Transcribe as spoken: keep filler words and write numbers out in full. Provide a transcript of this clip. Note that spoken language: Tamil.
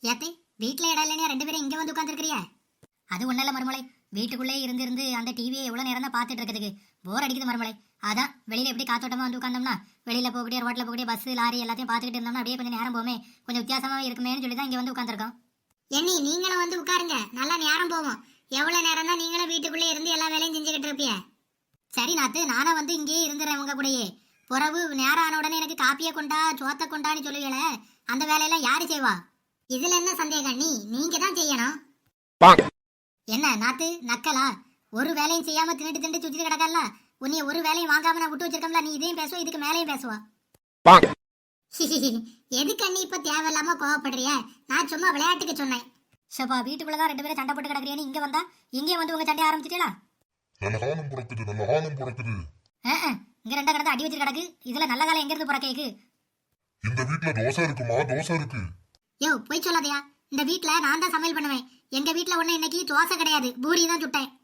ஏத்தே வீட்டுல இடம் இல்லையா ரெண்டு பேரும் இங்க வந்து உட்காந்துருக்கிறியா? அது ஒன்றும் இல்லை மருமலை, வீட்டுக்குள்ளே இருந்து இருந்து அந்த டிவியை எவ்வளோ நேரம் தான் பார்த்துட்டு இருக்கிறதுக்கு போர் அடிக்குது மருமலை. அதான் வெளியில எப்படி காத்தோட்டமா வந்து உட்காந்தோம்னா வெளியில போகக்கூடிய ரோட்ல போகக்கூடிய பஸ் லாரி எல்லாத்தையும் பார்த்துக்கிட்டு இருந்தோம்னா அப்படியே கொஞ்சம் நேரம் போமே, கொஞ்சம் வித்தியாசமா இருக்குமேன்னு சொல்லி தான் இங்க வந்து உட்காந்துருக்கோம். எண்ணி நீங்களும் வந்து உட்காருங்க, நல்லா நேரம் போவோம். எவ்வளவு நேரம் தான் நீங்களும் வீட்டுக்குள்ளே இருந்து எல்லா வேலையும் செஞ்சுக்கிட்டு இருப்பிய? சரி நாத்து, நானும் வந்து இங்கேயே இருந்துறேன் உங்க கூடயே. புறவு நேரம் ஆன உடனே எனக்கு காப்பியை கொண்டா சோத்த கொண்டான்னு சொல்லுவீங்களே, அந்த வேலையெல்லாம் யாரு செய்வா? இதுல என்ன சந்தேகம், நீ நீங்க தான் செய்யணும். என்ன நாத்து நக்கலா? ஒரு வேலையும் செய்யாம தின்னுட்டு திண்டு சுத்திட்டு கிடக்கல. உன்னைய ஒரு வேலையும் வாங்காம நான் விட்டு வச்சிருக்கோம்ல, நீ இதையும் பேசுவ இதுக்கு மேலையும் பேசுவா. எதுக்கு அண்ணி இப்ப தேவையில்லாம கோவப்படுறிய? நான் சும்மா விளையாட்டுக்கு சொன்னேன். ஷபா, வீட்டுக்குள்ளதான் ரெண்டு பேரும் சண்டை போட்டு கிடக்குறியா? இங்க வந்தா இங்கே வந்து உங்க சண்டையை ஆரம்பிச்சிட்டீங்களா? நல்ல காலம் பிறக்குது, நல்ல காலம் பிறக்குது. இங்க ரெண்டா கிடந்து அடி வச்சு கிடக்கு, இதுல நல்ல காலம் எங்க இருந்து பிறக்கேக்கு? இந்த வீட்டுல தோசை இருக்குமா? தோசை இருக்கு. யோ போய் சொல்லாதயா, இந்த வீட்டுல நான் தான் சமையல் பண்ணுவேன். எங்க வீட்டுல ஒண்ணு இன்னைக்கு தோசை கிடையாது, பூரி தான் சுட்டேன்.